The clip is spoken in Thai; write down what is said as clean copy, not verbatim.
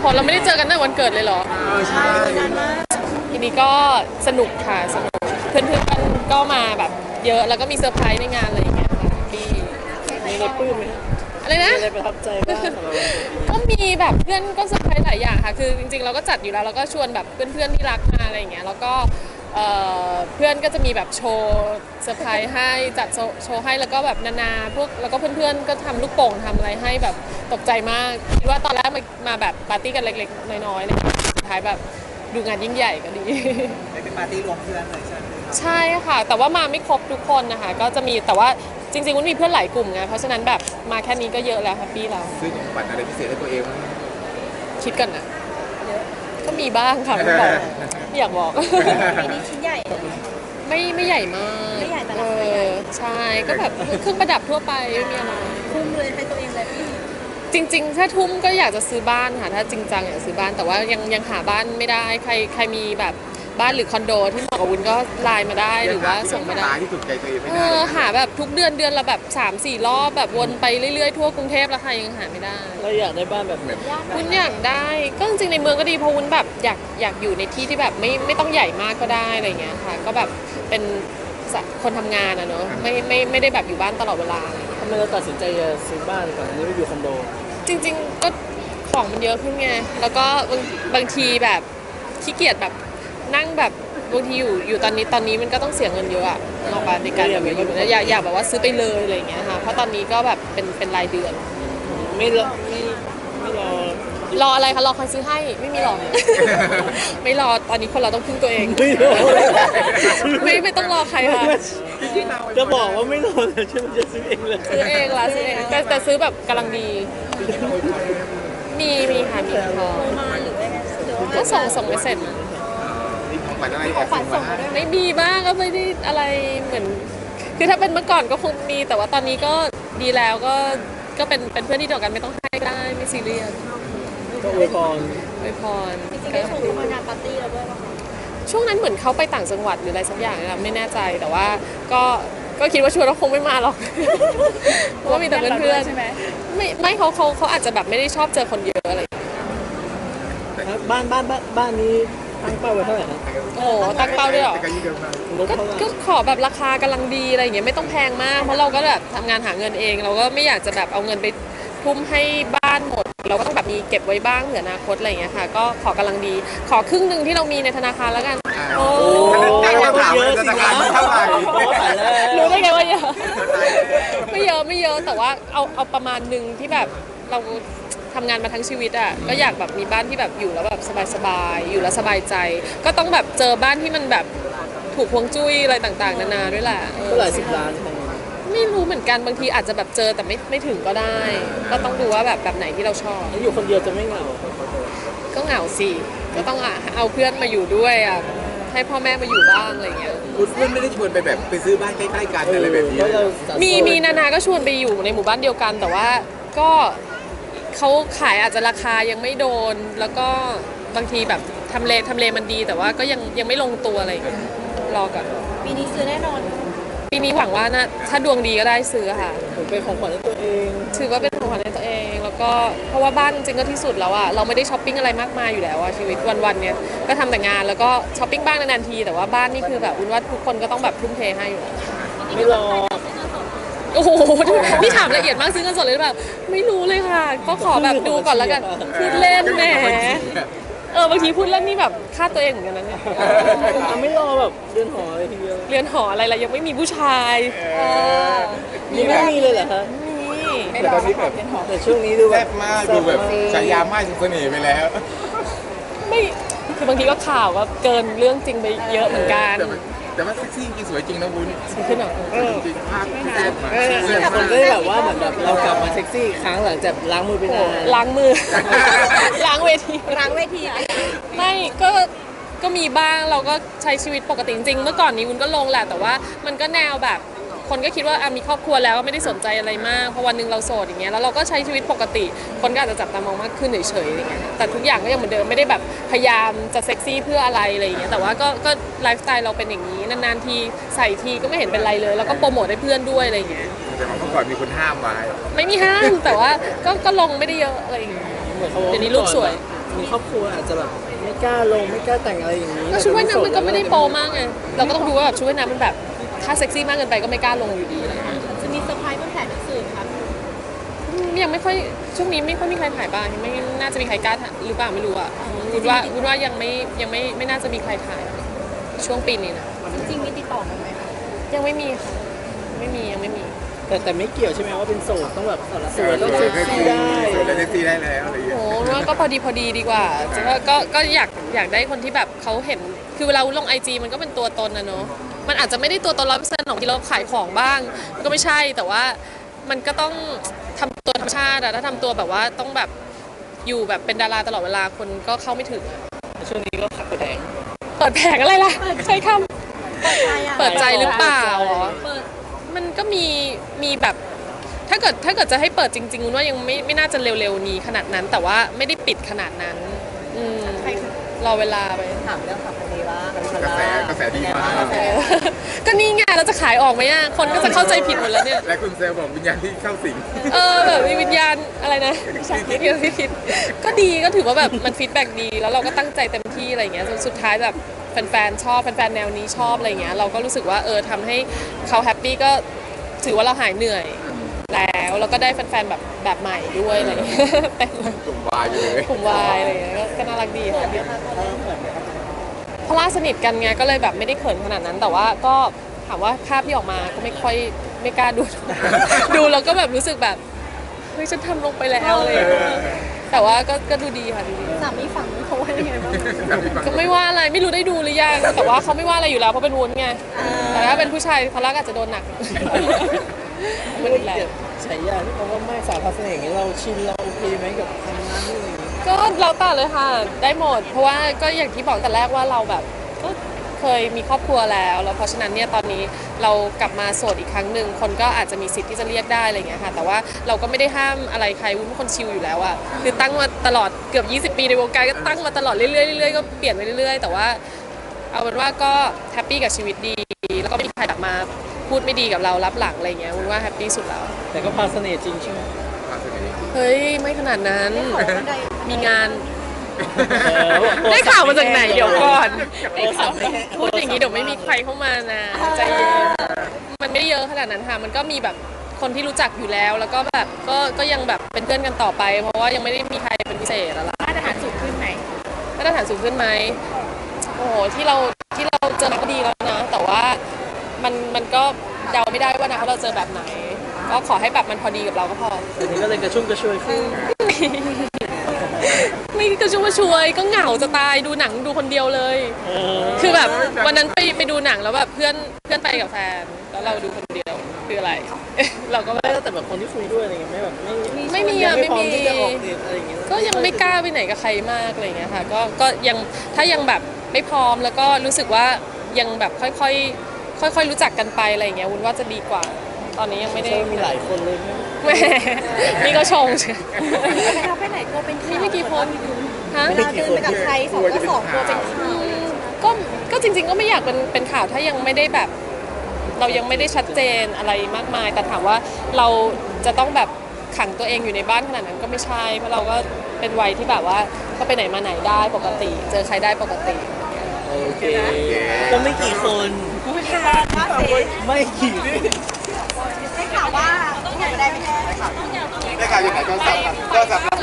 พเราไม่ได้เจอกันตั้งวันเกิดเลยเหรอใช่ทีนี้ก็สนุกค่ะสนุกเพื่อนๆก็มาแบบเยอะแล้วก็มีเซอร์ไพรส์ในงานอะไรอย่างเงี้ยค่ะที่มีอะไรปลื้มไหมอะไรนะมีอะไรประทับใจบ้างก็มีแบบเพื่อนก็เซอร์ไพรส์หลายอย่างค่ะคือจริงๆเราก็จัดอยู่แล้วเราก็ชวนแบบเพื่อนๆที่รักมาอะไรอย่างเงี้ยแล้วก็เพื่อนก็จะมีแบบโชว์เซอร์ไพรส์ให้จัดโชว์ให้แล้วก็แบบนานาพวกแล้วก็เพื่อนๆก็ทำลูกโป่งทำอะไรให้แบบตกใจมากคิดว่าตอนแรกมาแบบปาร์ตี้กันเล็กๆน้อยๆเนี่ยสุดท้ายแบบดูงานยิ่งใหญ่ก็ดีเป็นปาร์ตี้รวมเพื่อนเลยใช่ไหมใช่ค่ะแต่ว่ามาไม่ครบทุกคนนะคะก็จะมีแต่ว่าจริงๆมันมีเพื่อนหลายกลุ่มไงเพราะฉะนั้นแบบมาแค่นี้ก็เยอะแล้วแฮปปี้แล้วซื้อของขวัญอะไรพิเศษให้ตัวเองคิดกันนะก็มีบ้างค่ะไม่บอกไม่อยากบอกปีนี้ชิ้นใหญ่ไม่ใหญ่มากไม่ใหญ่แต่ราคาใหญ่ใช่ก็แบบเครื่องประดับทั่วไปไม่มีอะไรคุ้มเลยให้ตัวเองเลยจริงๆถ้าทุ่มก็อยากจะซื้อบ้านค่ะถ้าจริงจังอยากซื้อบ้านแต่ว่ายังหาบ้านไม่ได้ใครมีแบบบ้านหรือคอนโดที่เหมาะกับวุ้นก็ไลน์มาได้หรือว่าส่งมาได้ที่ถูกใจตัวเองไม่ได้หาแบบทุกเดือนละแบบ 3-4 รอบแบบวนไปเรื่อยๆทั่วกรุงเทพแล้วค่ะยังหาไม่ได้เราอยากได้บ้านแบบไหนวุ้นอยากได้ก็จริงๆในเมืองก็ดีเพราะวุ้นแบบอยากอยู่ในที่ที่แบบไม่ต้องใหญ่มากก็ได้อะไรเงี้ยค่ะก็แบบเป็นคนทำงานอะเนอะไม่ได้แบบอยู่บ้านตลอดเวลาทำไมเราตัดสินใจจะซื้อบ้านก่อนอันนี้ไม่อยู่คอนโดจริงๆก็ของมันเยอะขึ้นไงแล้วก็บางทีแบบขี้เกียจแบบนั่งแบบบางทีอยู่ตอนนี้มันก็ต้องเสียเงินเยอะอะนอกจากในการแบบอยู่อยากแบบว่าซื้อไปเลยอะไรอย่างเงี้ยค่ะเพราะตอนนี้ก็แบบเป็นรายเดือนไม่รออะไรคะรอใครซื้อให้ไม่มีหรอกไม่รอตอนนี้คนเราต้องพึ่งตัวเองไม่ต้องรอใครค่ะจะบอกว่าไม่รอเลยฉันจะซื้อเองเลยซื้อเองละซื้อเองแต่ซื้อแบบกำลังดีมีค่ะมีพอก็ส่งไปเสร็จของขวัญอะไรแอบส่งมาไม่มีบ้างก็ไม่ได้อะไรเหมือนคือถ้าเป็นเมื่อก่อนก็คงมีแต่ว่าตอนนี้ก็ดีแล้วก็เป็นเพื่อนที่เดียวกันไม่ต้องให้ได้ไม่ซีเรียสก็อวยพรจริงๆได้ชมเขามางานปาร์ตี้แล้วด้วยป่ะคะช่วงนั้นเหมือนเขาไปต่างจังหวัดหรืออะไรสักอย่างนะไม่แน่ใจแต่ว่าก็คิดว่าชวนเราคงไม่มาหรอกเพราะว่ามีแต่เพื่อนใช่ไหมไม่เขาอาจจะแบบไม่ได้ชอบเจอคนเยอะอะไรบ้านนี้ตั้งเป้าไว้เท่าไหร่ครับโอ้ตั้งเป้าด้วยหรอก็ขอแบบราคากำลังดีอะไรอย่างเงี้ยไม่ต้องแพงมากเพราะเราก็แบบทำงานหาเงินเองเราก็ไม่อยากจะแบบเอาเงินไปทุ่มให้บ้านหมดเราก็ต้องแบบมีเก็บไว้บ้างเผื่ออนาคตอะไรอย่างเงี้ยค่ะก็ขอกำลังดีขอครึ่งนึงที่เรามีในธนาคารแล้วกันโอ้เยอะสินะเท่าไหร่รู้ได้ไงว่าเยอะไม่เยอะแต่ว่าเอาประมาณนึงที่แบบเราทำงานมาทั้งชีวิตอ่ะก็อยากแบบมีบ้านที่แบบอยู่แล้วแบบสบายอยู่แล้วสบายใจก็ต้องแบบเจอบ้านที่มันแบบถูกฮวงจุ้ยอะไรต่างๆนานาด้วยแหละก็หลายสิบล้านไม่รู้เหมือนกันบางทีอาจจะแบบเจอแต่ไม่ถึงก็ได้ก็ต้องดูว่าแบบไหนที่เราชอบอยู่คนเดียวจะไม่เหงาก็เหงาสิก็ต้องเอาเพื่อนมาอยู่ด้วยอ่ะให้พ่อแม่มาอยู่บ้างอะไรเงี้ยคุณไม่ได้ชวนไปแบบไปซื้อบ้านใกล้ๆกันอะไรแบบนี้มีนาก็ชวนไปอยู่ในหมู่บ้านเดียวกันแต่ว่าก็เขาขายอาจจะราคายังไม่โดนแล้วก็บางทีแบบทำเลมันดีแต่ว่าก็ยังไม่ลงตัวอะไรรอก่อนปีนี้ซื้อแน่นอนปีนี้หวังว่านะถ้าดวงดีก็ได้ซื้อค่ะเป็นของขวัญให้ตัวเองถือว่าเป็นของขวัญให้ตัวเองแล้วก็เพราะว่าบ้านจริงก็ที่สุดแล้วอะเราไม่ได้ช้อปปิ้งอะไรมากมายอยู่แล้วอะชีวิตวันๆเนี่ยก็ทำแต่งานแล้วก็ช้อปปิ้งบ้างนานๆทีแต่ว่าบ้านนี่คือแบบว่าทุกคนก็ต้องแบบทุ่มเทให้อยู่ไม่รอโอ้โหนี่ถามละเอียดมากซื้อเงินสดเลยหรือเปล่าไม่รู้เลยค่ะก็ขอแบบดูก่อนแล้วกันพูดเล่นแหมบางทีพูดเล่นนี่แบบฆ่าตัวเองเหมือนกันนะเนี่ยไม่รอแบบเรือนหออะไรทีเดียวเรือนหออะไรยังไม่มีผู้ชายนี่ไม่มีเลยเหรอคะแต่ตอนนี้แบบแต่ช่วงนี้ดูแซ่บมากดูแบบฉายาไม่สุดเสน่ห์ไปแล้วไม่คือบางทีก็ข่าวว่าเกินเรื่องจริงไปเยอะเหมือนกันแต่ว่าเซ็กซี่จริงสวยจริงนะวุ้นสวยขึ้นหรอจริงภาพแซ่บมาคนก็แบบว่าเหมือนแบบเรากลับมาเซ็กซี่ครั้งหลังจากล้างมือไปนานล้างมือล้างเวทีไม่ก็มีบ้างเราก็ใช้ชีวิตปกติจริงเมื่อก่อนนี้วุ้นก็ลงแหละแต่ว่ามันก็แนวแบบคนก็คิดว่ามีครอบครัวแล้วไม่ได้สนใจอะไรมากเพราะวันนึงเราโสดอย่างเงี้ยแล้วเราก็ใช้ชีวิตปกติคนก็อาจจะจับตามองมากขึ้นเฉยๆอย่างเงี้ยแต่ทุกอย่างก็ยังเหมือนเดิมไม่ได้แบบพยายามจะเซ็กซี่เพื่ออะไรอย่างเงี้ยแต่ว่าก็ไลฟ์สไตล์เราเป็นอย่างนี้นานๆทีใส่ทีก็ไม่เห็นเป็นไรเลยแล้วก็โปรโมทให้เพื่อนด้วยอะไรอย่างเงี้ยแต่เมื่อก่อนมีคนห้ามไว้ไม่มีห้ามแต่ว่าก็ลงไม่ได้เยอะอะไรอย่างเงี้ยเหมือนเขาบอกเดี๋ยวนี้ลูกสวยมีครอบครัวอาจจะแบบไม่กล้าลงไม่กล้าแต่งอะไรอย่างนี้ก็ชุดว่ายน้ำมันก็ไม่ได้โปรมากไงเราก็ต้องดูว่าแบบชุดว่ายน้ำมันแบบถ้าเซ็กซี่มากเกินไปก็ไม่กล้าลงอยู่ดีอะไรเงี้ยจะมีเซอร์ไพรส์บนแผนหนังสือครับยังไม่ค่อยช่วงนี้ไม่ค่อยมีใครถ่ายบ้างไม่น่าจะมีใครกล้าถ่ายหรือเปล่าไม่รู้อ่ะวุ้นว่ายังไม่น่าจะมีใครถ่ายช่วงปีนี้นะจริงๆมีติดต่อมาไหมคะยังไม่มีค่ะยังไม่มีแต่ไม่เกี่ยวใช่ไหมว่าเป็นโสดต้องแบบสวยต้ต้ออง งเซ็เซ็กกซี่ซี่ได้ได้สวยแล้วเซ็กซี่ได้แล้วอะไรอย่างเงี้ยโอ้ว่าก็พอดีดีกว่าก็อยากได้คนที่แบบเขาเห็นคือเวลาวุ้นลงไอจีมันก็เป็นตัวตนนะเนาะมันอาจจะไม่ได้ตัวตน100%ของที่เราขายของบ้างมันก็ไม่ใช่แต่ว่ามันก็ต้องทำตัวธรรมชาติอะถ้าทำตัวแบบว่าต้องแบบอยู่แบบเป็นดาราตลอดเวลาคนก็เข้าไม่ถึงอะช่วงนี้ก็ขับแผงเปิดแผงอะไรล่ะใช้คเปิดใจอ่ะำเปิดใจหรือเปล่าเปิดมันก็มีแบบถ้าเกิดจะให้เปิดจริงๆวุ้นว่ายังไม่น่าจะเร็วๆนี้ขนาดนั้น แต่ว่าไม่ได้ปิดขนาดนั้นรอเวลาไปถามเรื่องขับคนนี้ว่ากระแสดีมากก็นี่ไงเราจะขายออกไหมอ่ะคนก็จะเข้าใจผิดหมดแล้วเนี่ยและคุณเซลบอกวิญญาณที่เข้าสิงแบบมีวิญญาณอะไรนะพี่คิดก็ดีก็ถือว่าแบบมันฟีดแบ็กดีแล้วเราก็ตั้งใจเต็มที่อะไรอย่างเงี้ยจนสุดท้ายแบบแฟนๆชอบแฟนๆแนวนี้ชอบอะไรอย่างเงี้ยเราก็รู้สึกว่าทำให้เขาแฮปปี้ก็ถือว่าเราหายเหนื่อยแล้วก็ได้แฟนๆแบบใหม่ด้วยอะไรอย่างเงี้ยเต็มเลยกลุ่มวายอยู่เลยกลุ่มวายอะไรอย่างเงี้ยก็น่ารักดีค่ะเพราะล่าสนิทกันไงก็เลยแบบไม่ได้เขินขนาดนั้น แต่ว่าก็ถามว่าภาพที่ออกมาก็ไม่กล้าดู ดูแล้วก็แบบรู้สึกแบบเฮ้ยฉันทำลงไปแล้วอะไรอย่างเลยแต่ว่าก็ดูดีค่ะดูดีสามีฝั่งนู้นเขาว่ายังไงบ้างก็ไม่ว่าอะไรไม่รู้ได้ดูหรือยังแต่ว่าเขาไม่ว่าอะไรอยู่แล้วเพราะเป็นวุ้นไงแต่ถ้าเป็นผู้ชายเขารักอาจจะโดนหนักไม่ได้เกลียดฉายาที่เขาว่าไม่สาวพาเสน่ห์อย่างนี้เราชินเราโอเคไหมกับคำนั้นอะไรอย่างนี้ก็เราแต่เลยค่ะได้หมด เพราะว่าก็อย่างที่บอกแต่แรกว่าเราแบบก็เคยมีครอบครัวแล้วเพราะฉะนั้นเนี่ยตอนนี้เรากลับมาโสดอีกครั้งหนึ่งคนก็อาจจะมีสิทธิ์ที่จะเรียกได้อะไรอย่างเงี้ยค่ะแต่ว่าเราก็ไม่ได้ห้ามอะไรใครวุ้นเป็นคนชิลอยู่แล้วอะคือตั้งมาตลอดเกือบ20 ปีในวงการก็ตั้งมาตลอดเรื่อยๆเรื่อยๆก็เปลี่ยนไปเรื่อยๆแต่ว่าเอาเป็นว่าก็แฮปปี้กับชีวิตดีแล้วก็ไม่มีใครแบบมาพูดไม่ดีกับเรารับหลังอะไรอย่างเงี้ยวุ้นว่าแฮปปี้สุดแล้วแต่ก็พาเสน่ห์จริงใช่ไหมพาเสน่ห์เฮ้ยไม่ขนาดนั้นบันไดมีงาน ได้ข่าวมาจากไหนเดี๋ยวก่อนพูดอย่างนี้เดี๋ยวไม่มีใครเข้ามานะใจเย็นมันไม่ได้เยอะขนาดนั้นค่ะมันก็มีแบบคนที่รู้จักอยู่แล้วแล้วก็แบบก็ยังแบบเป็นเพื่อนกันต่อไป เพราะว่ายังไม่ได้มีใครเป็นพิเศษอะไรมาตรฐานสูงขึ้นไหมมาตรฐานสูงขึ้นไหมโอ้โหที่เราเจอมาก็ดีแล้วนะแต่ว่ามันก็เดาไม่ได้ว่านะเราเจอแบบไหน ก็ขอให้แบบมันพอดีกับเราก็พอแต่นี้ก็เลยกระชุ่มกระชวยขึ้นไม่กระชุ่มกระชวยก็เหงาจะตายดูหนังดูคนเดียวเลย คือแบบวันนั้นไปดูหนังแล้วแบบเพื่อนไปกับแฟนแล้วเราดูคนเดียวคืออะไร เราก็แบไม่บแล้วแต่แบบคนที่คุยด้วยอะไรเงี้ยไม่แบบไม่ไม่มียัอะงไม่พร้อมีที่จะออกเดทอะไรอย่างเงี้ยก็ยังไม่กล้าไปไหนกับใครมากอะไรเงี้ยค่ะก็ยังถ้ายังแบบไม่พร้อมแล้วก็รู้สึกว่ายังแบบค่อยรู้จักกันไปอะไรเงี้ยวุ้นว่าจะดีกว่า ตอนนี้ยังไม่ได้มีหลายคนเลยไหมแหมนี่ก็ชงเชียวไปไหนก็เป็นข่าวนี่ไม่กี่คนฮะเวลาเดินไปกับใคร2 ต่อ 2ตัวเป็นข่าวก็จริงๆก็ไม่อยากเป็นข่าวถ้ายังไม่ได้แบบ เรายังไม่ได้ชัดเจนอะไรมากมาย แต่ถามว่าเราจะต้องแบบขังตัวเองอยู่ในบ้านขนาดนั้นก็ไม่ใช่เพราะเราก็เป็นวัยที่แบบว่าก็ไปไหนมาไหนได้ปกติ เจอใครได้ปกติโอเคก็ไม่กี่คนไม่ข่าวว่าเซ็กไม่กี่ได้ข่าวว่าต้องอยากได้ไม่ได้ได้ข่าวยังไงโทรศัพท์